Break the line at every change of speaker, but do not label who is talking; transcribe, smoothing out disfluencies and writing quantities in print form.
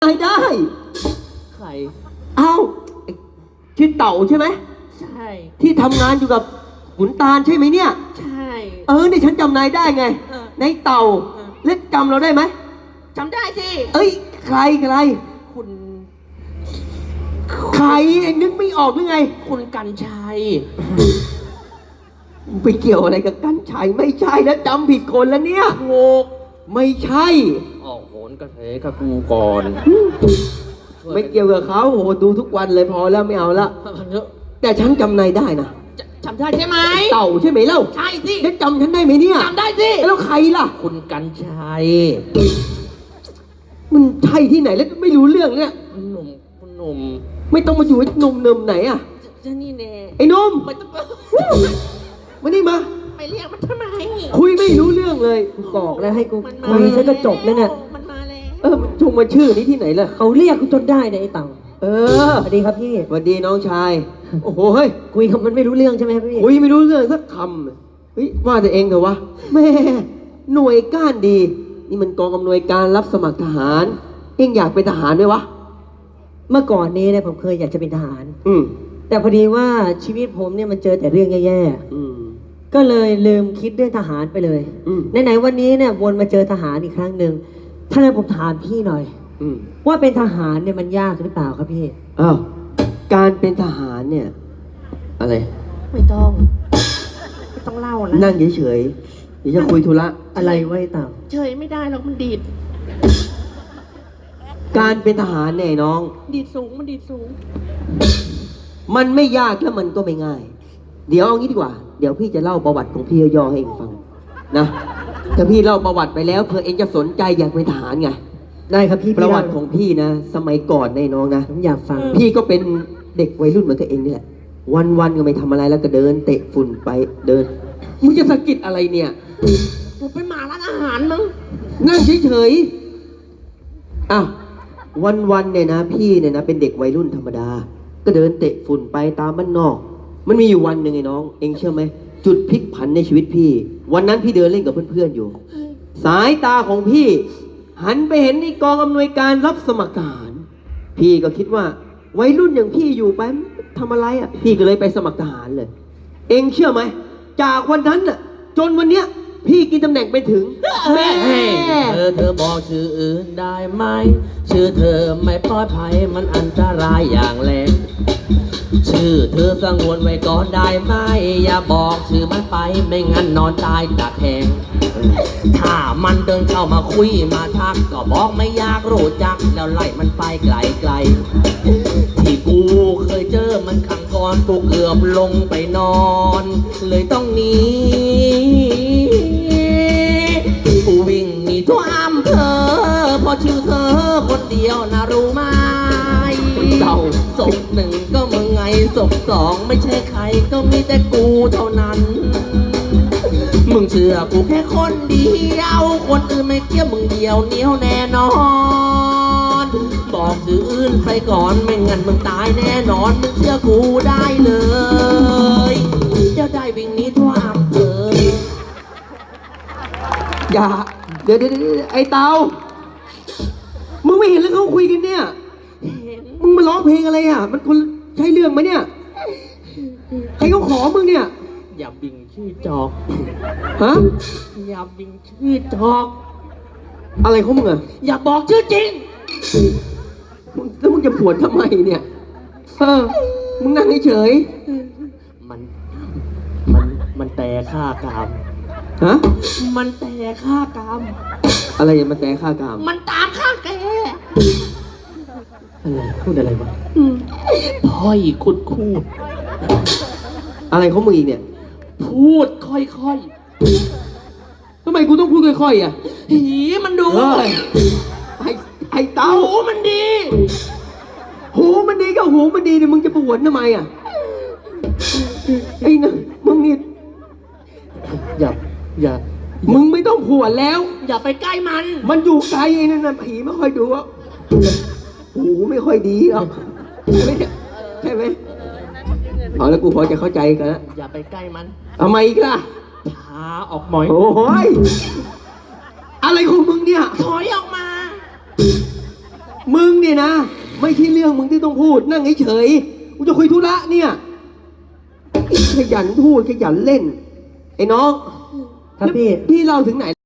ายได้
ใคร
เอ้าชื่อเต่าใช่ไหม
ใช่
ที่ทำงานอยู่กับขุนตาลใช่ไหมเนี่ย
ใช่
นี่ฉันจำนายได้ไงในเต่าเล็กจำเราได้ไหม
จำได้สิ
ใคร
คุณ
ใครเองนึกไม่ออกหรือไง
คุณกันชัย
ไปเกี่ยวอะไรกับกันชัยไม่ใช่แล้วจำผิดคนแล้วเนี่ย
โง่
ไม่ใช่
ออกโหนกระเทยกับกูก่อน
ไม่เกี่ยวกับเขาโอ้ดูทุกวันเลยพอแล้วไม่เอาละแต่ฉันจำนายได้นะ
จำได้ใช่ไหม
เต่าใช่ไหมเล่า
ใช่สิ
แล้วจำฉันได้ไหมเนี่ย
จำได้สิ
แล้วใครล่ะ
คุณกันชัย
มันใช่ที่ไหนแล้วไม่รู้เรื่องเนี่ย
คุณหนุ่ม
ไม่ต้องมาอยู่ไอ้หนุ่มเนิมไหนอะ
จะนี่แน่
ไอ้หนุ่ม
ไม่ต้อง
มานี่มา
ไปเรียกมันทำไม
คุยไม่รู้เรื่องเลยบอกแล้วให้กูคุยซะก็จบแล้วเนี่ย
มันมาแล้ว
มันชงมาชื่อนี้ที่ไหนล่ะ
เขาเรียกกูจนได้เนี่ยไอ้เต่าสวัสดีครับพี่
สวัสดีน้องชายโอ้โหเฮ้ย
คุยกับมันไม่รู้เรื่องใช่ไหมพี่
คุยไม่รู้เรื่องสักคำเฮ้ยว่าแต่เองเถอะวะแม่หน่วยก้านดีนี่มันกองอำนวยการรับสมัครทหารเองอยากเป็นทหารไหมวะ
เมื่อก่อนนี้เนี่ยผมเคยอยากจะเป็นทหารแต่พอดีว่าชีวิตผมเนี่ยมันเจอแต่เรื่องแย่ๆก็เลยลืมคิดเรื่องทหารไปเลยไหนๆวันนี้เนี่ยวนมาเจอทหารอีกครั้งหนึ่งถ้างั้นผมถามพี่หน่อยว่าเป็นทหารเนี่ยมันยากหรือเปล่าครับพี่
การเป็นทหารเนี่ยอะไร
ไม่ต้องเล่านะ
นั่งเฉยๆเดี๋ยวจะคุยธุระ
อะไรไว้ต่าง
เฉยไม่ได้หรอกมันดีด
การเป็นทหารเนี่ยน้อง
ดีดสูงมันดีดสูง
มันไม่ยากแล้วมันก็ไม่ง่ายเดี๋ยวเอางี้ดีกว่าเดี๋ยวพี่จะเล่าประวัติของพี่ย่อให้เองฟังนะถ้าพี่เล่าประวัติไปแล้วเผื่อเองจะสนใจอยากเป็นทหารไง
ได้ครับพี่
ประวัติของพี่นะสมัยก่อนในน้องนะ
ผมอยากฟัง
พี่ก็เป็นเด็กวัยรุ่นเหมือนกับเองนี่แหละวันก็ไม่ทำอะไรแล้วก็เดินเตะฝุ่นไปเดินมึงจะสะกิดอะไรเนี่ย
กูเป็นหมาร้านอาหารมั้ง
นั่งเฉยๆวันเนี่ยนะพี่เนี่ยนะเป็นเด็กวัยรุ่นธรรมดาก็เดินเตะฝุ่นไปตามบ้านนอกมันมีอยู่วันหนึ่งไอ้น้องเองเชื่อไหมจุดพลิกผันในชีวิตพี่วันนั้นพี่เดินเล่นกับเพื่อนๆอยู่สายตาของพี่หันไปเห็นในกองอำนวยการรับสมัครทหารพี่ก็คิดว่าวัยรุ่นอย่างพี่อยู่ไปทำอะไรพี่ก็เลยไปสมัครทหารเลยเองเชื่อไหมจากวันนั้นจนวันเนี้ยพี่กินตำแหน่งไปถึง
แม่เธอบอกชื่ออื่นได้ไหมชื่อเธอไม่ปลอดภัยมันอันตรายอย่างแรงชื่อเธอสงวนไว้ก่อนได้ไหมอย่าบอกชื่อมันไปไม่งั้นนอนตายจากแทงถ้ามันเดินเข้ามาคุยมาทักก็บอกไม่อยากรู้จักแล้วไล่มันไปไกลๆที่กูเคยเจอมันครั้งก่อนกูเกือบลงไปนอนเลยต้องหนีกูวิ่งหนีทั่วอำเภอพอชื่อเธอคนเดียวนะรู้ไหมเต่าศพหนึ่งก็มึงไงศพสองไม่ใช่ใครก็มีแต่กูเท่านั้นมึงเชื่อกูแค่คนเดียวคนอื่นไม่เกี่ยวมึงเดียวเหนียวแน่นอนบอกชื่ออื่นไปก่อนไม่งั้นมึงตายแน่นอนมึงเชื่อกูได้เลยจะได้วิ่งหนีทั่วอำเภอ
อย่าเดี๋ยวไอ้เตามึงไม่เห็นแล้วเขาคุยกันเนี่ยมึงมาร้องเพลงอะไรมันคนใช่เรื่องไหมเนี่ยใครเขาขอมึงเนี่ย
อย่าบิงชื่อจอกอย่าบิงชื่อจอก
อะไรของมึง
อย่าบอกชื่อจริง
แล้วมึงจะปวดทำไมเนี่ยมึงนั่งเฉย
มันแต่ฆ่ากามมันแต่ฆ่ากาม
อะไรมันแต่ฆ่ากาม
มันตามฆ่าแก
อะไรพูดอะไรวะ
พ่อยคุด
อะไรของมึงอีกเนี่ย
พูดค่อย
ทำไมกูต้องพูดค่อย
หีมันดู
ไอ้เต้า
หูมันดี
ก็หูมันดีเนี่ยมึงจะปวดทำไมไอ้นะมึงนี่
อย่า
มึงไม่ต้องผวนแล้ว
อย่าไปใกล้
มันอยู่ไกลไอ้นั่นผีไม่ค่อยดูหูไม่ค่อยดีหรอกใช่ไหมพอแล้วกูพอจะเข้าใจกันแล้ว
อย่าไปใกล้มัน
ทำไมอีกล่ะ
พาออกหน่อย
โอ้ยอะไรของมึงเนี่ย
ถอยออกมา
มึงเนี่ยนะ ไม่ใช่เรื่องมึงที่ต้องพูด นั่งเฉยๆกูจะคุยธุระเนี่ยขยันพูดขยันเล่น ไอ้น้อง
ครับพี่
พี่เล่าถึงไหน